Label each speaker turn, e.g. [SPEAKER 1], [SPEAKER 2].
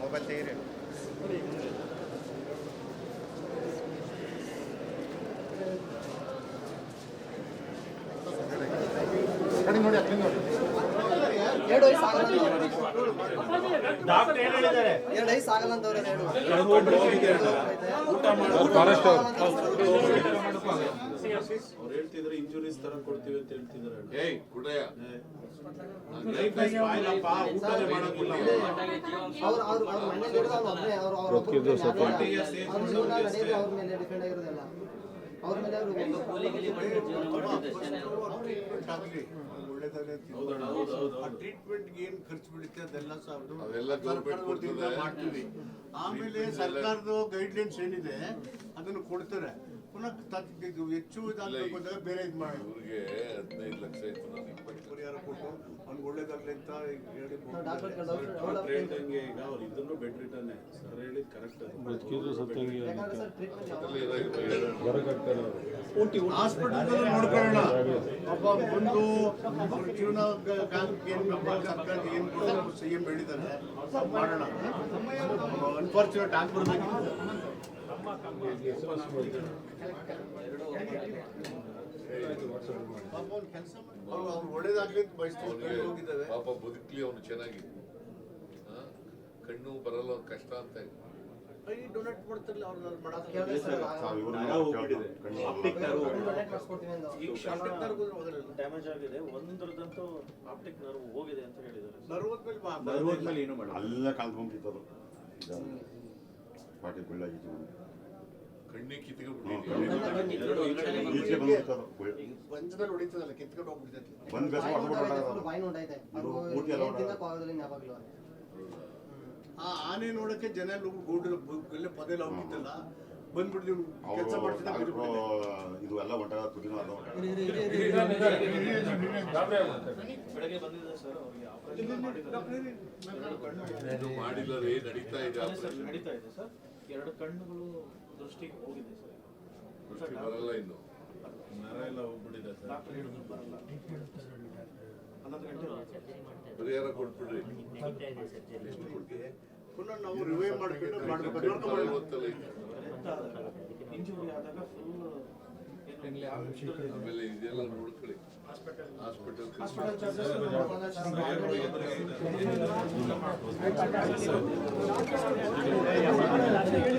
[SPEAKER 1] Mobile ತೆಗೀರಿ. ನೋಡಿ
[SPEAKER 2] ಎರಡು ವಯಸ್ಸು ಆಗಲ್ಲ
[SPEAKER 3] ಡಾಕ್ಟರ್ ಏನು ಹೇಳಿದ್ದಾರೆ?
[SPEAKER 2] 2 ವಯಸ್ಸು ಆಗಲ್ಲ ಅಂತವ್ರೆ.
[SPEAKER 4] ಅವ್ರು ಹೇಳ್ತಿದ್ರೆ ಇಂಜುರೀಸ್ ತರ ಕೊಡ್ತೀವಿ ಅಂತ ಹೇಳ್ತಿದ್ದಾರೆ.
[SPEAKER 5] ಏಯ್ ಕುಡಯ್ಯ
[SPEAKER 2] ಅವ್ರ ಮನೇಲಿ ಇರೋದು ಅವ್ರ ಒಬ್ಬನೇ. ಅವ್ರ ಮೇಲೆ ಡಿಪೆಂಡ್ ಆಗಿರೋದಲ್ಲ. ಅವ್ರ ಮೇಲೆ
[SPEAKER 4] ಟ್ರೀಟ್ಮೆಂಟ್ ಏನ್ ಖರ್ಚು ಬೀಳುತ್ತೆ ಅದೆಲ್ಲ
[SPEAKER 5] ಮಾಡ್ತೀವಿ.
[SPEAKER 4] ಆಮೇಲೆ ಸರ್ಕಾರದ ಗೈಡ್ಲೈನ್ಸ್ ಏನಿದೆ ಅದನ್ನು ಕೊಡ್ತಾರೆ. ಪುನಃ ಹೆಚ್ಚು ಇದಾಗಬೇಕು ಅಂದಾಗ ಬೇರೆ ಇದು ಮಾಡಿ
[SPEAKER 5] ಇವ್ರಿಗೆ 15 ಲಕ್ಷ ಇತ್ತು, ನಾನು 20
[SPEAKER 4] ಪರಿಹಾರ ಕೊಟ್ಟು ಅವ್ನಿಗೆ ಒಳ್ಳೇದಾಗ್ಲಿ ಅಂತ ಹೇಳಿ
[SPEAKER 6] ಹೇಳ್ದಂಗೆ ಈಗ ಅವ್ರು ಇದನ್ನು ಬೆಡ್ ರಿಟರ್ನ್ ಸರ್ ಹೇಳಿದ್ ಕರೆಕ್ಟ್.
[SPEAKER 4] ಹಾಸ್ಪಿಟಲ್ ನೋಡ್ಕೊಳ್ಳೋಣ. ಒಬ್ಬ ಒಂದು ಜೀವನ ಏನ್ ಸರ್ಕಾರ ಏನ್ CM ಹೇಳಿದ್ದಾರೆ ಮಾಡೋಣ. ಅನ್ಫಾರ್ಚುನೇಟ್ ಆಗ್ಬಾರ್ದಾಗಿತ್ತು. ಒಳ್ಳೇದಾಗ್ಲಿ ಹೋಗಿದ್ದಾರೆ.
[SPEAKER 5] ಪಾಪ ಬದುಕ್ಲಿ ಅವನು ಚೆನ್ನಾಗಿ. ಕಣ್ಣು ಬರಲ್ಲ ಕಷ್ಟ ಅಂತ
[SPEAKER 4] ಡೊನೇಟ್ ಮಾಡ್ತಿರ್ಲಿ ಅವ್ರು
[SPEAKER 3] ಡ್ಯಾಮೇಜ್ ಆಗಿದೆ. ಒಂದ್ರದಂತೂ ಆಪ್ಟಿಕ್ ನರ್ವ್ ಹೋಗಿದೆ ಅಂತ ಹೇಳಿದ್ದಾರೆ.
[SPEAKER 4] ನರ್ವದ ಮೇಲೆ ಏನು ಮಾಡಲ್ಲ.
[SPEAKER 7] ಅಲ್ಲ ಕಳ್ಕೊಂಡ್ಬಿಟ್ಟಿತ್ತು. ಪಾಟಿ ಬೀಳಾಗಿತ್ತು.
[SPEAKER 5] ಕಣ್ಣಿಗೆ
[SPEAKER 4] ಪಂಚದಲ್ಲಿ ಹೊಡಿತದಲ್ಲ ಕಿತ್ಕೊಂಡು ಹೋಗ್ಬಿಡ್ತೈತಿ. ಆ ಆನೆ ನೋಡಕ್ಕೆ ಜನ ಗೂಡಲ್ಲ ಪದೇಲ್ಲ ಹೋಗಿದ್ದಲ್ಲ ಬಂದ್ಬಿಟ್ಟು ಕೆಲಸ ಮಾಡ್ತಿದ್ದ
[SPEAKER 7] ಇದು ಎಲ್ಲ ಹೊಂಟ ತುದಿನೂ ಅಲ್ಲ ಹೊಂಟ.
[SPEAKER 3] ಬೆಳಗ್ಗೆ ಬಂದಿದೆ ಸರ್.
[SPEAKER 5] ಮಾಡಿಲ್ಲ ರೀ, ನಡೀತಾ ಇದೆ ಆಪರೇಷನ್.
[SPEAKER 3] ನಡೀತಾ ಇದೆ ಸರ್. 2 ಕಣ್ಣುಗಳು ದೃಷ್ಟಿಗೆ ಹೋಗಿದೆ ಸರ್.
[SPEAKER 5] ದೃಷ್ಟಿ ಬರಲ್ಲ ಇನ್ನು.
[SPEAKER 6] ನರ ಎಲ್ಲ ಹೋಗ್ಬಿಟ್ಟಿದೆ ಸರ್.
[SPEAKER 3] ಡಾಕ್ಟರ್ ಹೇಳಿದ್ರು ಬರಲ್ಲ. 11 ಗಂಟೆ
[SPEAKER 5] ಪರಿಹಾರ ಕೊಟ್ಬಿಡ್ರಿ.
[SPEAKER 4] ಎಷ್ಟು ಕೊಡ್ತೀವಿ ಪುನಃ ನಾವು ರಿವೈವ್ ಮಾಡ್ಕೊಂಡು
[SPEAKER 3] ಇಂಜುರಿ ಆದಾಗ ಫುಲ್
[SPEAKER 5] ಆಮೇಲೆ ಇದೆಲ್ಲ ನೋಡ್ಕೊಳ್ಳಿ. Hospital
[SPEAKER 2] charges